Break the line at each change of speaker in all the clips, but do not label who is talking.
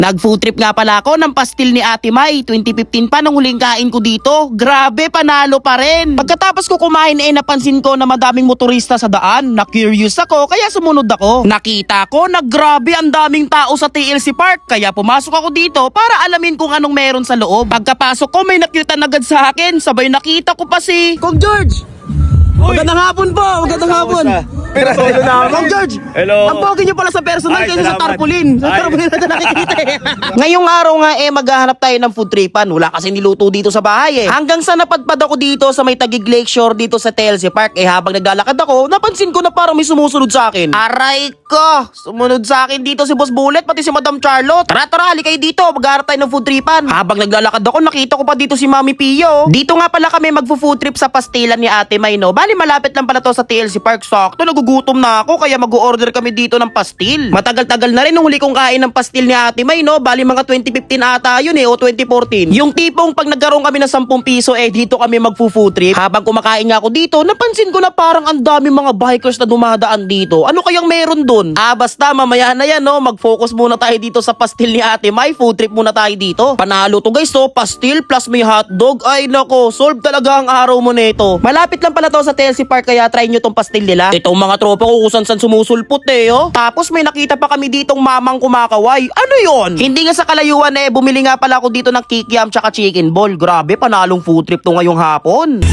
Nag-food trip nga pala ako ng pastil ni Ate May. 2015 pa nang huling kain ko dito. Grabe, panalo pa rin. Pagkatapos ko kumain napansin ko na madaming motorista sa daan. Na-curious ako kaya sumunod ako. Nakita ko na grabe ang daming tao sa TLC Park. Kaya pumasok ako dito para alamin kung anong meron sa loob. Pagkapasok ko may nakita agad sa akin. Sabay nakita ko pa si Kong George. Magandang hapon po, magandang hapon. Kong George,
Hello.
ang pogi nyo pala sa personal
Ay,
kaysa sa
salamat.
tarpaulin. Sa
Ay.
tarpaulin natin nakikita eh. Ngayong araw nga maghahanap tayo ng food tripan. Wala kasi niluto dito sa bahay eh. Hanggang sa napadpad ako dito sa may Taguig Lakeshore dito sa TLC Park. Habang naglalakad ako, napansin ko na parang may sumusunod sa akin. Aray ko! Sumunod sa akin dito si Boss Bullet pati si Madam Charlotte. Tara, hali kayo dito. Maghahanap tayo ng food tripan. Habang naglalakad ako, nakita ko pa dito si Mami Pio. Dito nga pala kami magfo-food trip sa pastilan ni Ate May, no? Bali, malapit lang pala to sa TLC Park. Sakto, nagugutom na ako kaya mag-order kami dito ng pastil. Matagal-tagal na rin nung huli kong kain ng pastil ni Ate May, no? Bali, mga 2015 ata yun o 2014. Yung tipong pag nagkaroon kami ng 10 piso dito kami magfo-food trip. Habang kumakain nga ako dito, napansin ko na parang ang dami mga bikers na dumadaan dito. Ano kayang meron dun? Basta mamaya na yan, no? Mag-focus muna tayo dito sa pastil ni Ate May. Food trip muna tayo dito. Panalo to guys, so pastil plus may hotdog. Ay nako, solve talaga ang araw mo nito. Malapit lang pala to sa TLC Park kaya try nyo tong pastil nila. Itong mga tropa ko kung saan sumusulpot oh. Tapos may nakita pa kami ditong mamang kumakaway. Ano yon? Hindi nga sa kalayuan bumili nga pala ako dito ng kikiam tsaka chicken ball. Grabe, panalong food trip to ngayong hapon.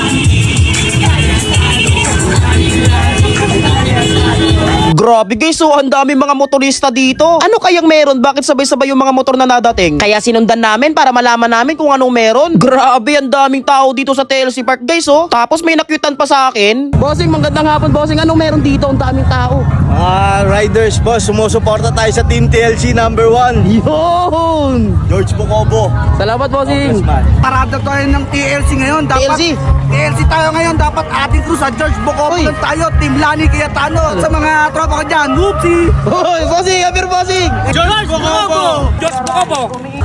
Grabe guys, so ang dami mga motorista dito. Ano kayang meron? Bakit sabay-sabay yung mga motor na nadating? Kaya sinundan namin para malaman namin kung anong meron. Grabe, ang daming tao dito sa TLC Park guys Tapos may nakyutan pa sa akin. Bossing, magandang hapon bossing. Anong meron dito? Ang daming tao.
Riders boss, sumusuporta tayo sa Team TLC number 1.
Yun!
George Bocobo.
Salamat bossing.
Parada tayo ng TLC ngayon. Dapat
TLC?
TLC tayo ngayon. Dapat ating crew sa George Bocobo
Uy.
lang tayo. Team Lani Cayetano. At sa mga tropa ko dyan. Whoopsie!
Hoy, bossing, apir bossing.
George Bocobo. George Bocobo.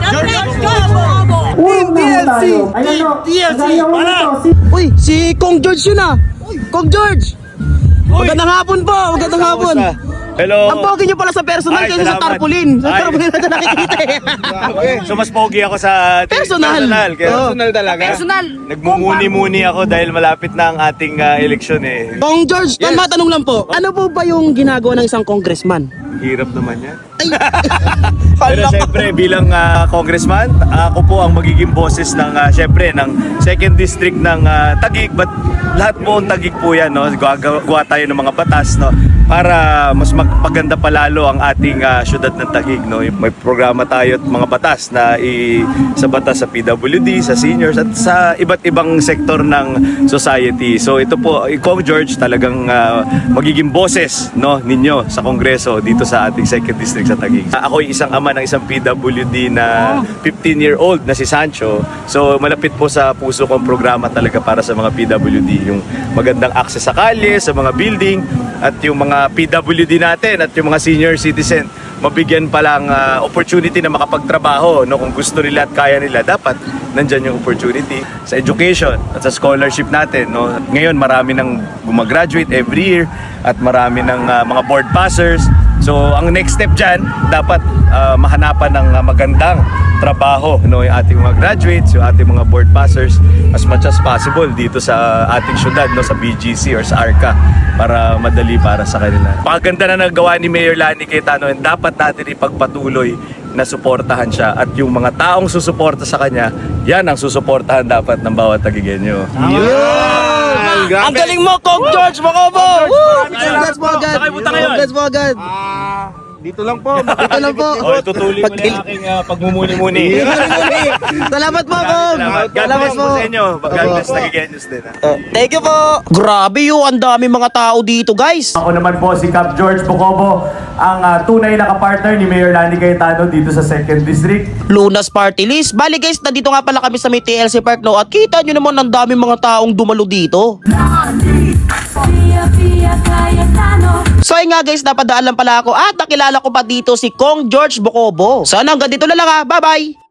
Team TLC!
TLC. Wala.
Uy, si Kong George yun Kong George. Magandang hapon po, magandang hapon.
Hello.
Ang pogi nyo pala sa personal
Ay,
kaysa sa
salamat.
tarpaulin. Sa
Ay.
tarpaulin natin nakikita
So mas pogi ako sa
Personal.
Kaya
Oo.
personal talaga.
Personal.
Nagmumuni-muni ako dahil malapit na ang ating eleksyon
Kong George, matanong lang po. Ano po ba yung ginagawa ng isang congressman?
Hirap naman yan.
Ay,
Pero siyempre bilang congressman, ako po ang magiging boses ng siyempre ng 2nd district ng Taguig, but lahat po ang Taguig po yan, no? Gawa tayo ng mga batas, no? Para mas magpaganda palalo ang ating syudad ng Taguig, no? May programa tayo at mga batas na sa batas sa PWD, sa seniors at sa iba't ibang sektor ng society. So ito po, Kong George talagang magiging boses, no, ninyo sa Kongreso dito sa ating 2nd district sa Taguig. Ako ay isang ama ng isang PWD na 15-year-old na si Sancho. So malapit po sa puso kong programa talaga para sa mga PWD, yung magandang access sa kalye, sa mga building, at yung mga PWD natin at yung mga senior citizen mabigyan palang opportunity na makapagtrabaho, no? Kung gusto nila at kaya nila, dapat nandyan yung opportunity sa education at sa scholarship natin, no? Ngayon marami nang gumagraduate every year at marami ng mga board passers. So ang next step dyan, dapat mahanapan ng magandang trabaho, no, yung ating mga graduates, yung ating mga board passers as much as possible dito sa ating syudad, no, sa BGC or sa ARCA, para madali para sa kanila. Paganda na nagawa ni Mayor Lani Cayetano, and dapat natin ipagpatuloy na suportahan siya, at yung mga taong susuporta sa kanya, yan ang susuportahan dapat ng bawat Taguigenyo.
ang galing mo, Kong George Bocobo!
Congrats po agad!
Congrats po agad!
Dito lang po.
Ito lang po.
Itutuloy mo na yung aking pagmumuni-muni.
Salamat po, Kong!
God
Salamat
bless po sa inyo. God bless Taguigenyos din.
Thank you po! Grabe ang dami mga tao dito, guys!
Ako naman po si Cap George Bocobo, ang tunay na kapartner ni Mayor Lani Cayetano dito sa 2nd District.
Lunas Party List. Bali guys, nandito nga pala kami sa may TLC Park, no? At kita nyo naman ang dami mga taong dumalo dito. So ayun nga guys, napadaan lang pala ako at nakilala ko pa dito si Kong George Bocobo. Sana hanggang dito na lang Bye bye!